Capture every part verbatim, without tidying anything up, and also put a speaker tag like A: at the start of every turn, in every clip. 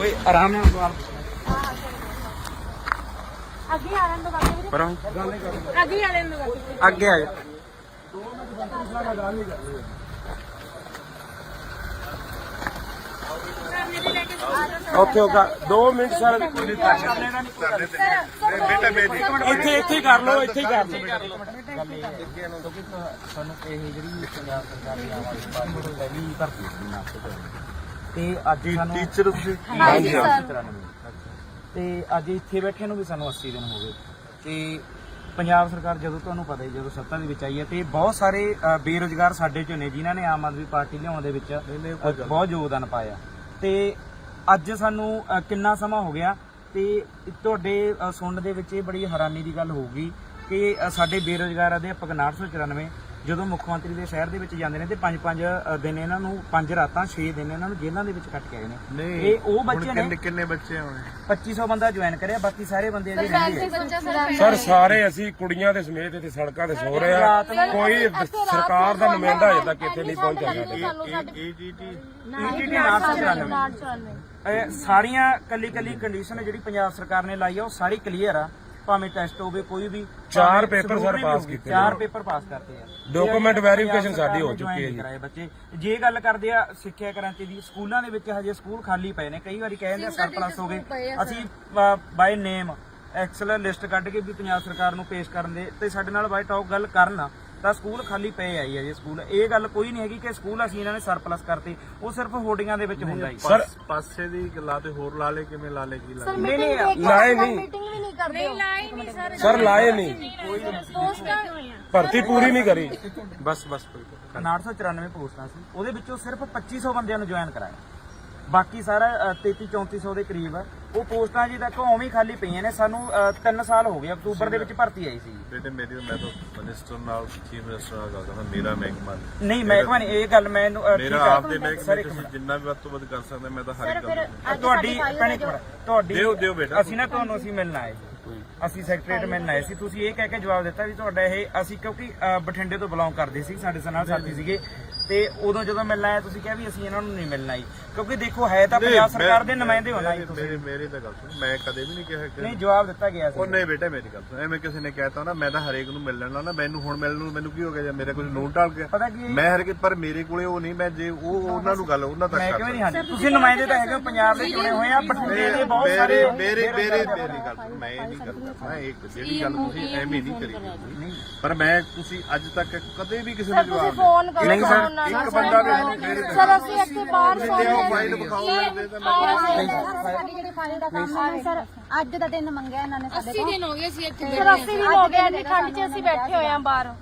A: ਓਏ ਆਰਾਮ ਨਾਲ ਸਵਾਲ
B: ਅੱਗੇ ਆ ਲੈਣ ਦੋ ਬਾਕੀ
A: ਪਰਾਂ
B: ਅੱਗੇ ਆ ਲੈਣ ਦੋ ਬਾਕੀ
A: ਅੱਗੇ ਆ ਜਾ ਓਕੇ ਓਕੇ ਦੋ ਮਿੰਟ ਸਰ ਇੱਥੇ ਇੱਥੇ ਹੀ ਕਰ ਲਓ ਇੱਥੇ ਹੀ ਕਰ ਲਓ
C: ਸਾਨੂੰ ਇਹ ਜਿਹੜੀ ਪੰਜਾਬ ਸਰਕਾਰ ਦੀ ਆਮ ਆਦਮੀ ਪਾਰਟੀ ਦੀ ਪਹਿਲੀ ਭਰਤੀ ਸੀ ਨਾਸਤੇ ਤੇ ਅੱਜ ਸਾਨੂੰ
A: ਟੀਚਰ ਤੁਸੀਂ
B: ਹਾਂਜੀ ਸਰ
C: ਤੇ ਅੱਜ ਇੱਥੇ ਬੈਠੇ ਨੂੰ ਵੀ ਸਾਨੂੰ ਅੱਸੀ ਦਿਨ ਹੋ ਗਏ ਤੇ ਪੰਜਾਬ ਸਰਕਾਰ ਜਦੋਂ ਤੁਹਾਨੂੰ ਪਤਾ ਹੀ ਜਦੋਂ ਸੱਤਾ ਦੇ ਵਿੱਚ ਆਈ ਹੈ ਤੇ ਬਹੁਤ ਸਾਰੇ ਬੇਰੁਜ਼ਗਾਰ ਸਾਡੇ ਚੋਂ ਨੇ ਜਿਨ੍ਹਾਂ ਨੇ ਆਮ ਆਦਮੀ ਪਾਰਟੀ ਲਿਆਉਣ ਦੇ ਵਿੱਚ ਬਹੁਤ ਯੋਗਦਾਨ ਪਾਇਆ ਤੇ ਅੱਜ ਸਾਨੂੰ ਕਿੰਨਾ ਸਮਾਂ ਹੋ ਗਿਆ ਤੇ ਤੁਹਾਡੇ ਸੁਣਨ ਦੇ ਵਿੱਚ ਇਹ ਬੜੀ ਹੈਰਾਨੀ ਦੀ ਗੱਲ ਹੋਊਗੀ ਕਿ ਸਾਡੇ ਬੇਰੁਜ਼ਗਾਰ ਅਧਿਆਪਕ ਉਨਾਹਠ ਸੌ ਚੁਰਾਨਵੇਂ ਜਦੋਂ ਮੁੱਖ ਮੰਤਰੀ ਦੇ ਸ਼ਹਿਰ ਦੇ ਵਿੱਚ ਜਾਂਦੇ ਨੇ ਤੇ ਪੰਜ ਪੰਜ ਦਿਨ ਇਹਨਾਂ ਨੂੰ ਪੰਜ ਰਾਤਾਂ ਛੇ ਦਿਨ ਇਹਨਾਂ ਨੂੰ ਜੇਲ੍ਹਾਂ ਦੇ ਵਿੱਚ ਕੱਟ ਕੇ ਆਏ ਨੇ ਇਹ ਉਹ ਬੱਚੇ ਨੇ
A: ਕਿੰਨੇ ਬੱਚੇ ਹੋਣੇ
C: ਪੱਚੀ ਸੌ ਬੰਦਾ ਜੁਆਇਨ ਕਰਿਆ ਬਾਕੀ ਸਾਰੇ ਬੰਦੇ ਅਜੇ ਰਹਿੰਦੇ
D: ਸਰ ਸਾਰੇ ਅਸੀਂ ਕੁੜੀਆਂ ਦੇ ਸਮੇਤ ਇੱਥੇ ਸੜਕਾਂ ਤੇ ਸੋ ਰਹੇ ਆ ਕੋਈ ਸਰਕਾਰ ਦਾ ਨੁਮਾਇੰਦਾ ਅਜੇ ਤੱਕ ਇੱਥੇ ਨਹੀਂ ਪਹੁੰਚਿਆ
A: ਏਜੀਟੀ
C: ਈਟੀਟੀ ਨਾਸ ਚੁਰਾਨਵੇਂ ਸਾਰੀਆਂ ਕੱਲੀ ਕੱਲੀ ਕੰਡੀਸ਼ਨ ਜਿਹੜੀ ਪੰਜਾਬ ਸਰਕਾਰ ਨੇ ਲਾਈ ਆ ਉਹ ਸਾਰੀ ਕਲੀਅਰ ਆ ਭਾਵੇਂ ਟੈਸਟ ਹੋਵੇ ਕੋਈ ਵੀ
D: ਚਾਰ ਪੇਪਰ ਸਰ ਪਾਸ ਕੀਤੇ
C: ਚਾਰ ਪੇਪਰ ਪਾਸ ਕਰਤੇ ਆ
D: ਡਾਕੂਮੈਂਟ ਵੈਰੀਫਿਕੇਸ਼ਨ ਸਾਡੀ ਹੋ ਚੁੱਕੀ ਹੈ ਜੀ
C: ਬੱਚੇ ਜੇ ਗੱਲ ਕਰਦੇ ਆ ਸਿੱਖਿਆ ਕ੍ਰਾਂਤੀ ਦੀ ਸਕੂਲਾਂ ਦੇ ਵਿੱਚ ਹਜੇ ਸਕੂਲ ਖਾਲੀ ਪਏ ਨੇ ਕਈ ਵਾਰੀ ਕਹਿੰਦੇ ਸਰਪਲਸ ਹੋ ਗਏ ਅਸੀਂ ਬਾਈ ਨੇਮ ਐਕਸਲ ਲਿਸਟ ਕੱਢ ਕੇ ਵੀ ਪੰਜਾਬ ਸਰਕਾਰ ਨੂੰ ਪੇਸ਼ ਕਰਨ ਦੇ ਤੇ ਸਾਡੇ ਨਾਲ ਬਾਈ ਟਾਕ ਗੱਲ ਕਰਨ ਤਾਂ ਸਕੂਲ ਖਾਲੀ ਪਏ ਆਈ ਹੈ ਜੀ ਸਕੂਲ ਇਹ ਗੱਲ ਕੋਈ ਨਹੀਂ ਹੈਗੀ ਕਿ ਸਕੂਲ ਅਸੀਂ ਇਹਨਾਂ ਨੇ ਸਰਪਲਸ ਕਰਤੇ ਉਹ ਸਿਰਫ ਹੋਰਡਿੰਗਾਂ ਦੇ ਵਿੱਚ ਹੁੰਦਾ ਹੀ
D: ਸਰ
A: ਪਾਸੇ ਦੀ ਗੱਲਾਂ ਤੇ ਹੋਰ ਲਾ ਲੇ ਕਿਵੇਂ ਲਾ ਲੇ ਕੀ ਲਾ
B: ਨਹੀਂ ਨਹੀਂ
D: ਲਾਏ ਨਹੀਂ
B: ਮੀਟਿੰਗ ਵੀ ਨਹੀਂ ਕਰਦੇ ਨਹੀਂ ਲਾਏ ਨਹੀਂ ਸਰ
D: ਸਰ ਲਾਏ ਨਹੀਂ
B: ਪੋਸਟਾਂ
D: ਭਰਤੀ ਪੂਰੀ ਨਹੀਂ ਕਰੀ
A: ਬਸ ਬਸ ਕੋਈ
C: ਉਨਾਹਠ ਸੌ ਚੁਰਾਨਵੇਂ ਪੋਸਟਾਂ ਸੀ ਉਹਦੇ ਵਿੱਚੋਂ ਸਿਰਫ ਪੱਚੀ ਸੌ ਬੰਦਿਆਂ ਨੂੰ ਜੁਆਇਨ ਕਰਾਇਆ ਬਾਕੀ ਸਾਰਾ ਤੇਤੀ ਚੌਂਤੀ ਸੌ ਦੇ ਕਰੀਬ ਆ ਉਹ ਪੋਸਟਾਂ ਜੀ ਤੱਕ ਉਵੇਂ ਹੀ ਖਾਲੀ ਪਈਆਂ ਨੇ ਸਾਨੂੰ ਤਿੰਨ ਸਾਲ ਹੋ ਗਏ ਅਕਤੂਬਰ ਦੇ ਵਿੱਚ ਭਰਤੀ ਆਈ ਸੀ
A: ਬੇਟੇ ਮੇਰੀ ਮੈਂ ਤਾਂ ਮਿਨਿਸਟਰ ਨਾਲ ਚੀਫ ਮਿਨਿਸਟਰ ਨਾਲ ਗੱਲ ਕਰਦਾ ਮੇਰਾ ਮਹਿਕਮਾ
C: ਨਹੀਂ ਮਹਿਕਮਾ ਨਹੀਂ ਇਹ ਗੱਲ ਮੈਨੂੰ
A: ਮੇਰਾ ਆਪ ਦੇ ਮਹਿਕਮੇ ਤੁਸੀਂ ਜਿੰਨਾ ਵੀ ਵੱਧ ਤੋਂ ਵੱਧ ਕਰ ਸਕਦੇ ਮੈਂ ਤਾਂ ਹਰ ਇੱਕ ਗੱਲ
C: ਤੁਹਾਡੀ ਭੈਣੇ ਤੁਹਾਡੀ
A: ਦਿਓ ਦਿਓ ਬੇਟਾ
C: ਅਸੀਂ ਨਾ ਤੁਹਾਨੂੰ ਅਸੀਂ ਮਿਲਣ ਆਏ ਅਸੀਂ ਸੈਕਟਰੀਏਟ ਮਿਲਣ ਆਏ ਸੀ ਤੁਸੀਂ ਇਹ ਕਹਿ ਕੇ ਜਵਾਬ ਦਿੱਤਾ ਵੀ ਤੁਹਾਡਾ ਇਹ ਅਸੀਂ ਕਿਉਂਕਿ ਬਠਿੰਡੇ ਤੋਂ ਬਿਲੋਂਗ ਕਰਦੇ ਸੀ ਸਾਡੇ ਨਾਲ ਸਾਥੀ ਸੀਗੇ ਤੇ ਉਦੋਂ ਜਦੋਂ ਮਿਲਣ ਆਇਆ ਤੁਸੀਂ ਕਿਹਾ ਵੀ ਅਸੀਂ ਇਹਨਾਂ ਨੂੰ ਨਹੀਂ ਮਿਲਣਾ ਜੀ ਕਿਉਂਕਿ ਦੇਖੋ ਹੈ ਤਾਂ ਪੰਜਾਬ ਸਰਕਾਰ ਦੇ ਨੁਮਾਇੰਦੇ ਹੋਣਾ ਜੀ ਤੁਸੀਂ
A: ਮੇਰੀ ਤਾਂ ਗੱਲ ਸੁਣ ਮੈਂ ਕਦੇ ਵੀ ਨਹੀਂ ਕਿਹਾ ਕਿ
C: ਨਹੀਂ ਜਵਾਬ ਦਿੱਤਾ ਗਿਆ ਸੀ
A: ਉਹ ਨਹੀਂ ਬੇਟਾ ਮੇਰੀ ਗੱਲ ਸੁਣ ਐਵੇਂ ਕਿਸੇ ਨੇ ਕਹਿਤਾ ਨਾ ਮੈਂ ਤਾਂ ਹਰੇਕ ਨੂੰ ਮਿਲ ਲੈਣਾ ਨਾ ਮੈਨੂੰ ਹੁਣ ਮਿਲਣ ਨੂੰ ਮੈਨੂੰ ਕੀ ਹੋ ਗਿਆ ਜਾਂ ਮੇਰੇ ਕੁਝ ਨੋਟ ਟਾਲ ਗਿਆ
C: ਪਤਾ ਕੀ
A: ਮੈਂ ਹਰ ਪਰ ਮੇਰੇ ਕੋਲੇ ਉਹ ਨਹੀਂ ਮੈਂ ਜੇ ਉਹ ਉਹਨਾਂ ਨੂੰ ਗੱਲ ਉਹਨਾਂ ਤੱਕ
C: ਮੈਂ ਕਿਉਂ ਨਹੀਂ ਹਾਂਜੀ ਤੁਸੀਂ ਨੁਮਾਇੰਦੇ ਤਾਂ ਹੈਗੇ ਪੰਜਾਬ ਦੇ ਚੁਣੇ ਹੋਏ ਆ ਬਠਿੰਡੇ ਦੇ ਬਹੁਤ ਸਾਰੇ
A: ਮੇਰੇ ਮੇਰੇ ਮੇਰੀ ਗੱਲ ਸੁਣ ਮੈਂ ਇਹ ਨਹੀਂ ਕਰਦਾ ਮੈਂ ਇੱਕ ਜਿਹੜੀ ਗੱਲ ਤੁਸੀਂ ਐਵੇਂ ਨਹੀਂ ਕਰੀ ਪਰ ਮੈਂ ਤੁਸੀਂ ਅੱਜ ਤੱਕ ਕਦੇ ਵੀ ਕਿਸੇ ਨੂੰ ਜਵਾਬ
B: ਫੋਨ ਕਰੋ
C: ਨਹੀਂ ਸਰ
A: ਇੱਕ ਬੰਦਾ ਵੀ ਮੇਰੇ
B: ਸਰ ਅਸੀਂ ਇੱਥੇ ਬਾਹਰ
A: ਫਾਈਲ ਵਿਖਾਓ ਦੇ ਤਾਂ ਮੈਂ
B: ਸਾਡੀ ਜਿਹੜੀ ਫਾਈਲ ਦਾ ਕੰਮ ਹੈ ਸਰ ਅੱਜ ਦਾ ਦਿਨ ਮੰਗਿਆ ਇਹਨਾਂ ਨੇ ਸਾਡੇ ਕੋਲ
E: ਅੱਸੀ ਦਿਨ ਹੋ ਗਏ ਸੀ ਇੱਥੇ
B: ਸਰ ਅੱਸੀ ਦਿਨ ਹੋ ਗਏ ਇੰਨੀ ਠੰਡ 'ਚ ਅਸੀਂ ਬੈਠੇ ਹੋਏ ਆਂ ਬਾਹਰ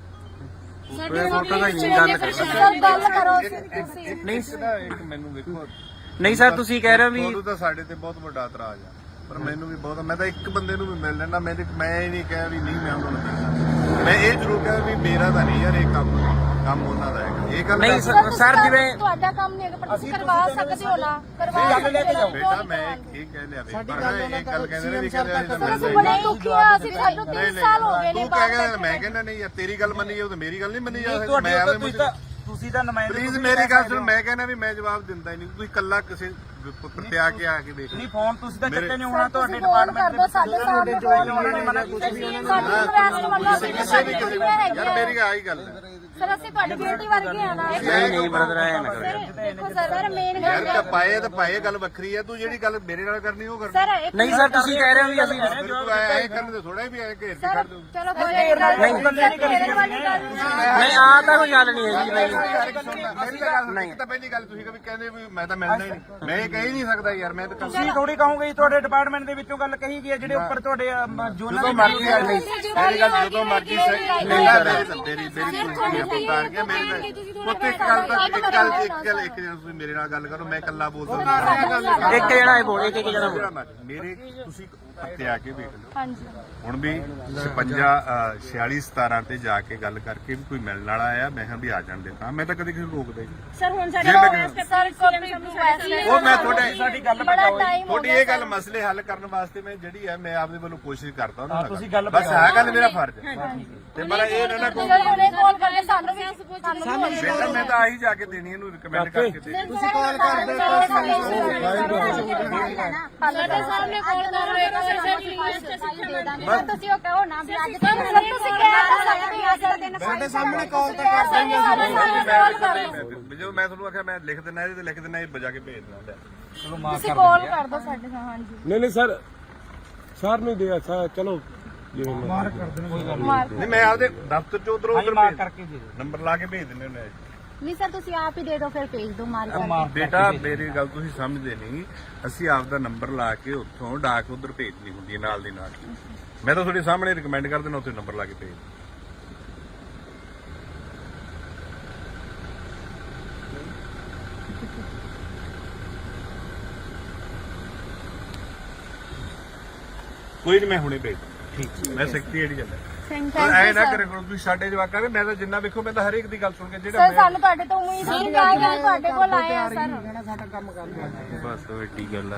A: ਫੋਟੋ ਦਾ ਹੀ ਗੱਲ ਕਰ
B: ਸਰ ਗੱਲ ਕਰੋ ਤੁਸੀਂ
A: ਨਹੀਂ ਇੱਕ ਮੈਨੂੰ ਵੇਖੋ
C: ਨਹੀਂ ਸਰ ਤੁਸੀਂ ਕਹਿ ਰਹੇ ਹੋ ਵੀ
A: ਉਦੋਂ ਤਾਂ ਸਾਡੇ ਤੇ ਬਹੁਤ ਵੱਡਾ ਇਤਰਾਜ਼ ਆ ਪਰ ਮੈਨੂੰ ਵੀ ਬਹੁਤ ਮੈਂ ਤਾਂ ਇੱਕ ਬੰਦੇ ਨੂੰ ਵੀ ਮਿਲ ਲੈਣਾ ਮੈਂ ਮੈਂ ਇਹ ਨਹੀਂ ਕਿਹਾ ਵੀ ਨਹੀਂ ਮੈਂ ਉਹਨਾਂ ਨੂੰ ਮਿਲਣਾ ਮੈਂ ਇਹ ਜ਼ਰੂਰ ਕਿਹਾ ਵੀ ਮੇਰਾ ਤਾਂ ਨਹੀਂ ਯਾਰ ਇਹ ਕੰਮ ਕੰਮ ਉਹਨਾਂ ਦਾ ਹੈਗਾ ਇਹ ਗੱਲ
C: ਨਹੀਂ ਸਰ ਜਿਵੇਂ
B: ਤੁਹਾਡਾ ਕੰਮ ਨਹੀਂ ਹੈਗਾ ਪਰ ਤੁਸੀਂ ਕਰਵਾ ਸਕਦੇ ਹੋ ਨਾ ਕਰਵਾ
C: ਲੈ ਕੇ ਜਾਓ
A: ਬੇਟਾ ਮੈਂ ਇਹ ਕਹਿ ਲਿਆ ਵੀ ਪਰ ਇਹ ਗੱਲ ਕਹਿੰਦੇ ਨੇ ਵੀ ਕਹਿੰਦੇ
B: ਅਸੀਂ ਬੜੇ ਦੁਖੀ ਆ ਅਸੀਂ ਸਾਨੂੰ ਤਿੰਨ ਸਾਲ ਹੋ ਗਏ ਨੇ
A: ਤੂੰ ਕਹਿ ਗਿਆ ਮੈਂ ਕਹਿੰਦਾ ਨਹੀਂ ਯਾਰ ਤੇਰੀ ਗੱਲ ਮੰਨੀ ਜਾਓ ਤੇ ਮੇਰੀ ਗੱਲ ਨਹੀਂ ਮੰਨੀ ਜਾ ਸਕਦੀ ਮੈਂ
C: ਤੁਹਾਡੀ
A: ਐਵੇਂ
C: ਤੁਸੀਂ ਤਾਂ ਤੁਸੀਂ ਤਾਂ ਨੁਮਾਇੰਦੇ
A: ਪਲੀਜ਼ ਮੇਰੀ ਗੱਲ ਸੁਣ ਮੈਂ ਕਹਿੰਦਾ ਵੀ ਮੈਂ ਜਵਾਬ ਦਿੰਦਾ ਹੀ ਨਹੀਂ ਤੁਸੀਂ ਕੱਲਾ ਕਿਸੇ ਪ੍ਰਤਿਆ ਕੇ ਆ ਕੇ ਦੇਖ
C: ਨਹੀਂ ਫੋਨ ਤੁਸੀਂ ਤਾਂ ਚੱਕੇ ਨਹੀਂ ਹੋਣਾ ਤੁਹਾਡੇ
B: ਫੋਨ
C: ਡਿਪਾਰਟਮੈਂਟ
B: ਕਰ ਦੋ ਸਾਡੇ ਸਾਹਮਣੇ ਫੋਨ
C: ਉਹਨਾਂ ਨੇ ਮਨਾ ਕੁਝ ਵੀ ਉਹਨਾਂ ਨੇ
B: ਸਾਡੀ ਰਿਕਵੈਸਟ ਮੰਨੋ ਅਸੀਂ
A: ਕਿਸੇ ਵੀ ਕਿਸੇ ਯਾਰ ਮੇਰੀ ਆਹੀ ਗੱਲ ਹੈ
B: ਸਰ ਅਸੀਂ ਤੁਹਾਡੀ ਬੇਟੀ ਵਰਗੇ ਆ ਨਾ
C: ਨਹੀਂ ਨਹੀਂ ਬ੍ਰਦਰ ਆਇਆ ਨਾ ਕਰੋ
B: ਦੇਖੋ ਸਰ ਮੇਨ
A: ਯਾਰ
B: ਗੱਲ
A: ਤਾਂ ਪਾਏ ਤਾਂ ਪਾਏ ਗੱਲ ਵੱਖਰੀ ਹੈ ਤੂੰ ਜਿਹੜੀ ਗੱਲ ਮੇਰੇ ਨਾਲ ਕਰਨੀ ਉਹ ਕਰ
B: ਸਰ ਇੱਕ
C: ਨਹੀਂ ਸਰ ਤੁਸੀਂ ਕਹਿ ਰਹੇ ਹੋ ਵੀ ਅਸੀਂ
A: ਤੂੰ ਆਇਆ ਇਹ ਕਰਨ ਦੇ ਥੋੜਾ ਵੀ ਆਇਆ ਘੇਰ ਕੇ ਛੱਡ ਦੂੰ
B: ਚਲੋ ਕੋਈ ਗੱਲ ਨਹੀਂ
C: ਇਕੱਲੇ ਨਹੀਂ ਕਰੀ
B: ਵਾਲੀ ਗੱਲ
C: ਨਹੀਂ ਆ ਤਾਂ ਕੋਈ ਗੱਲ ਨਹੀਂ ਹੈਗੀ ਨਹੀਂ
A: ਮੇਰੀ ਗੱਲ ਨਹੀਂ ਤਾਂ ਪਹਿਲੀ ਗੱਲ ਤੁਸੀਂ ਕਦੇ ਕਹਿੰਦੇ ਵੀ ਮੈਂ ਤਾਂ ਮਿਲਣਾ ਹੀ ਨਹੀਂ ਮੈਂ ਇਹ ਕਹਿ ਹੀ ਨਹੀਂ ਸਕਦਾ ਯਾਰ ਮੈਂ ਤਾਂ
C: ਤੁਸੀਂ ਥੋੜੀ ਕਹੋਗੇ ਤੁਹਾਡੇ ਡਿਪਾਰਟਮੈਂਟ ਦੇ ਵਿੱਚੋਂ ਗੱਲ ਕਹੀ ਗਈ ਹੈ ਜਿਹੜੇ ਉੱਪਰ ਤੁਹਾਡੇ ਜੋਨਾਂ
A: ਜਦੋਂ ਮਰਜ਼ੀ ਆ ਨਹੀਂ ਮੇਰੀ ਗੱਲ ਜਦੋਂ ਮਰਜ਼ੀ ਸਹੀ ਨਹੀਂ ਮੇਰੀ ਮੇਰੀ ਮੇਰੀ ਤੁਸੀਂ ਬਤਾਰ ਕੇ ਮੇਰੀ ਉੱਤੇ ਇੱਕ ਗੱਲ ਤਾਂ ਇੱਕ ਗੱਲ ਇੱਕ ਗੱਲ ਇੱਕ ਜਣਾ ਤੁਸੀਂ ਮੇਰੇ ਨਾਲ ਗੱਲ ਕਰੋ ਮੈਂ ਇਕੱਲਾ ਬੋਲਦਾ
C: ਇੱਕ ਜਣਾ ਹੀ ਬੋਲ ਇੱਕ ਇੱਕ ਜਣਾ ਬੋਲ
A: ਮੇਰੇ ਤੁਸੀਂ ਉੱਤੇ ਆ ਕੇ ਵੇਖ ਲਓ
B: ਹਾਂਜੀ
A: ਹੁਣ ਵੀ ਛਪੰਜਾ ਛਿਆਲੀ ਸਤਾਰਾਂ ਤੇ ਜਾ ਕੇ ਗੱਲ ਕਰਕੇ ਵੀ ਕੋਈ ਮਿਲਣ ਵਾਲਾ ਆਇਆ ਮੈਂ ਕਿਹਾ ਵੀ ਆ ਜਾਣ ਦੇ ਤਾਂ ਮੈਂ ਤਾਂ ਕਦੇ ਕਿਸੇ ਨੂੰ ਰੋਕਦਾ ਹੀ ਨਹੀਂ
B: ਸਰ ਹੁਣ ਸਾਡੇ ਸਰ ਕੋਈ
A: ਉਹ ਮੈਂ ਤੁਹਾਡੇ
C: ਸਾਡੀ ਗੱਲ
B: ਬੜਾ
C: ਪਟਾਓ
B: ਟਾਈਮ ਹੋ
A: ਤੁਹਾਡੀ
B: ਗਿਆ
A: ਇਹ ਗੱਲ ਮਸਲੇ ਹੱਲ ਕਰਨ ਵਾਸਤੇ ਮੈਂ ਜਿਹੜੀ ਹੈ ਮੈਂ ਆਪਦੇ ਵੱਲੋਂ ਕੋਸ਼ਿਸ਼ ਕਰਦਾ ਉਹਨਾਂ
C: ਹਾਂ,
A: ਨਾਲ
C: ਤੁਸੀਂ ਗੱਲ
A: ਬਸ
C: ਪਟਾਓ।
A: ਆਹ ਗੱਲ ਮੇਰਾ ਫਰਜ਼ ਹੈ ਤੇ ਮੇਰਾ ਇਹ ਨਾ ਨਾ ਕੋਈ
B: ਉਹਨੇ ਕਾਲ ਕਰਕੇ ਸਾਨੂੰ ਵੀ ਸਾਨੂੰ ਵੀ
A: ਬੇਟਾ ਮੈਂ ਤਾਂ ਆਹੀ ਜਾ ਕੇ ਦੇਣੀ ਇਹਨੂੰ ਰਿਕਮੈਂਡ ਕਰਕੇ ਦੇ
B: ਤੁਸੀਂ ਕਾਲ ਕਰ ਦਿਓ ਸਾਡੇ ਸਾਹਮਣੇ ਕਾਲ ਕਰ ਰਹੇ ਹੋ ਤੁਸੀਂ ਉਹ ਕਹੋ ਨਾ ਵੀ ਅੱਜ ਤੱਕ ਤੁਸੀਂ ਕਹਿ ਤਾਂ ਸਕਦੇ ਹੋ ਅੱਜ ਦਾ ਦਿਨ ਸਾਡੇ ਸਾਹਮਣੇ ਕਾਲ ਤਾਂ ਕਰ
A: ਦਿੰਦੇ ਜੋ ਮੈਂ ਤੁਹਾਨੂੰ ਆਖਿਆ ਮੈਂ ਲਿਖ ਦਿੰਦਾ ਇਹਦੇ ਤੇ ਲਿਖ ਦਿੰਦਾ ਇਹ ਬਜਾ ਕੇ ਭੇਜ ਦਿੰਦਾ
C: ਚਲੋ ਮਾਫ
B: ਤੁਸੀਂ
C: ਕਰ
B: ਕਾਲ
C: ਦਿੰਦੇ ਆ।
B: ਕਰ ਦਿਓ ਸਾਡੇ ਨਾਲ ਹਾਂਜੀ
D: ਨਹੀਂ ਨਹੀਂ ਸਰ ਸਰ ਨੂੰ ਦੇ ਸਰ ਚਲੋ ਜਿਵੇਂ ਮਾਰ
B: ਮਾਰ
A: ਨਹੀਂ ਮੈਂ ਆਪਦੇ ਦਫ਼ਤਰ ਚ ਉਧਰੋਂ
C: ਹਾਂਜੀ
A: ਉਧਰ
C: ਮਾਫ ਕਰਕੇ ਦੇ ਦਿਓ
A: ਨੰਬਰ ਲਾ ਕੇ ਭੇਜ ਦਿੰਦੇ ਹੁੰਦੇ ਆ
B: ਨਹੀਂ ਸਰ ਤੁਸੀਂ ਆਪ ਹੀ ਦੇ ਦਿਓ ਫਿਰ ਭੇਜ ਦਿਓ ਮਾਰ ਕਰਕੇ
C: ਮਾਫ
A: ਬੇਟਾ ਮੇਰੀ ਗੱਲ ਤੁਸੀਂ ਸਮਝਦੇ ਨਹੀਂ ਅਸੀਂ ਆਪਦਾ ਨੰਬਰ ਲਾ ਕੇ ਉੱਥੋਂ ਡਾਕ ਉਧਰ ਭੇਜਣੀ ਹੁੰਦੀ ਹੈ ਨਾਲ ਦੀ ਨਾਲ ਮੈਂ ਤਾਂ ਤੁਹਾਡੇ ਸਾਹਮਣੇ ਰਿਕਮੈਂਡ ਕਰ ਦੇਣਾ ਉੱਥੇ ਨੰਬਰ ਲਾ ਕੇ ਭੇਜ ਕੋਈ ਨਹੀਂ ਮੈਂ ਹੁਣੇ ਭੇਜ
C: ਠੀਕ
A: ਮੈਂ ਸੈਕਟਰੀ ਜਾਂਦਾ
B: ਥੈਂਕ
A: ਪਰ ਐ ਨਾ ਕਰੇ ਕਰੋ ਤੁਸੀਂ ਸਾਡੇ ਜਵਾਕਾਂ ਦੇ ਮੈਂ ਤਾਂ ਜਿੰਨਾ ਵੇਖੋ ਮੈਂ ਤਾਂ ਹਰੇਕ ਦੀ ਗੱਲ ਸੁਣ ਕੇ ਜਿਹੜਾ
B: ਸਰ ਸਾਨੂੰ ਤੁਹਾਡੇ ਤੋਂ ਉਮੀਦ ਸੀ ਕਿ ਤੁਹਾਡੇ ਕੋਲ ਆਏ ਆ ਸਰ
A: ਬਸ ਵੱਡੀ ਗੱਲ ਆ